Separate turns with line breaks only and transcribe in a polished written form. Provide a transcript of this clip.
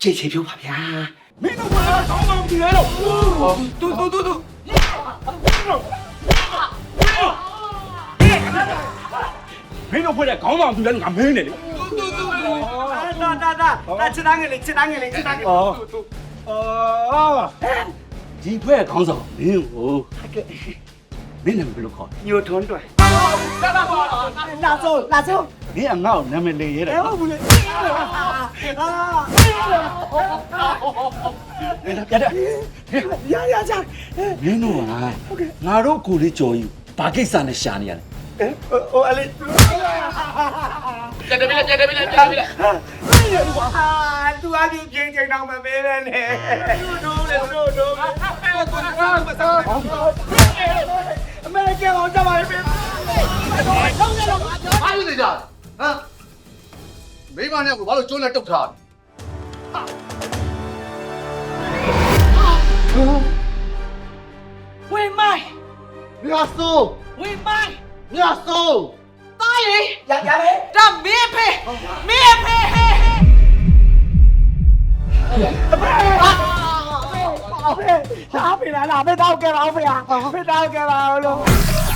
ကျေချေဖြုတ်ပါဗျာ
မင်းတို့ကကောင်းမှမကြည့်ရတော့တူမင်းတို့ဖွဲ့တဲ့ခေါင်းဆောင်သူလည်းငါမင်းနေလေ
ဒါချစ်သားငယ်လေးချစ်သားငယ်လေးချစ်သားငယ်လေး
ဒီဖွဲ့ခေါင်းဆောင်မင်းကိုမင်းနာမည်ဘယ်လိုခေါ်
ညိုထွန်းတွယ်
လာဆုံး
မင်းအငါ့ကိုနာမည်လေးရဲတယ်ဟုတ်ဘူးလေပြတ်တယ်
ရကြ
မင်းတို့ကငါတို့ကိုလေးကြော်ယူဘာကိစ္စနဲ့ရှာနေရလဲ
ဟိုအလေး
ကြက်တယ်ပြီလား
သူအကြီးချင်းချင်းတော့မပေးနဲ့နဲ့တို့အမေကအောင်ကြပါလိမ့်မယ်
ဘာလို့နေကြဟမ်မိမနဲ့ကိုဘာလို့ကျိုးလက်တုတ်ထား
ဝေးမိုင်း
မြတ်စိုး
ဝေးမိုင်း
မြတ်စိုး
သားလေ
ရလေ
ဒါမင်းဖေဟဲ
阿飞，阿飞来了，被刀给了，阿飞啊，被刀给了，喽。